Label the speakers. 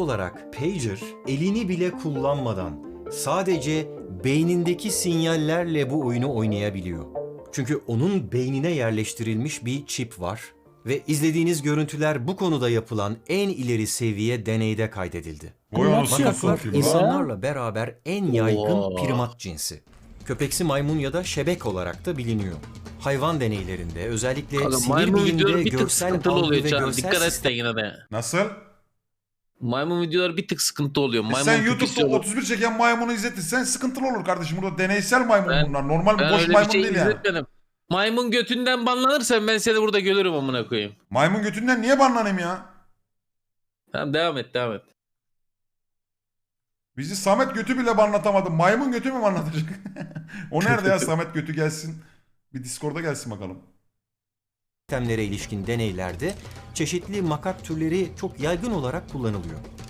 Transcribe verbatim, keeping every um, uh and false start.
Speaker 1: olarak pager elini bile kullanmadan sadece beynindeki sinyallerle bu oyunu oynayabiliyor. Çünkü onun beynine yerleştirilmiş bir çip var ve izlediğiniz görüntüler bu konuda yapılan en ileri seviye deneyde kaydedildi.
Speaker 2: Vay anasını
Speaker 1: Makaklar
Speaker 2: satayım lan.
Speaker 1: insanlarla beraber en yaygın
Speaker 3: Oo.
Speaker 1: primat cinsi. Köpeksi maymun ya da şebek olarak da biliniyor. Hayvan deneylerinde özellikle
Speaker 3: Kanka,
Speaker 1: sinir
Speaker 3: maymun videoları
Speaker 1: biliminde
Speaker 3: bir tık
Speaker 1: görsel
Speaker 3: sıkıntılı
Speaker 1: algı
Speaker 3: oluyor
Speaker 1: ve
Speaker 3: Can.
Speaker 1: görsel
Speaker 3: Dikkat et de
Speaker 1: sistem...
Speaker 3: yine de.
Speaker 2: Nasıl?
Speaker 3: Maymun videoları bir tık sıkıntı oluyor.
Speaker 2: E
Speaker 3: Maymun
Speaker 2: sen
Speaker 3: pipisi
Speaker 2: YouTube'da
Speaker 3: olur.
Speaker 2: otuz bir çeken maymunu izletirsen sıkıntılı olur kardeşim. Burada deneysel maymun
Speaker 3: Ben-
Speaker 2: bunlar. Normal
Speaker 3: Ben
Speaker 2: boş
Speaker 3: öyle bir
Speaker 2: maymun
Speaker 3: şey
Speaker 2: değil yani.
Speaker 3: izletmedim. Maymun götünden banlanırsan ben seni burada görürüm amına koyayım.
Speaker 2: Maymun götünden niye banlanayım ya?
Speaker 3: Tamam devam et devam et.
Speaker 2: Bizi Samet götü bile banlatamadı. Maymun götü mü banlatacak? O nerede ya Samet götü gelsin. Bir Discord'a gelsin bakalım.
Speaker 1: sistemlere ilişkin deneylerde çeşitli makak türleri çok yaygın olarak kullanılıyor.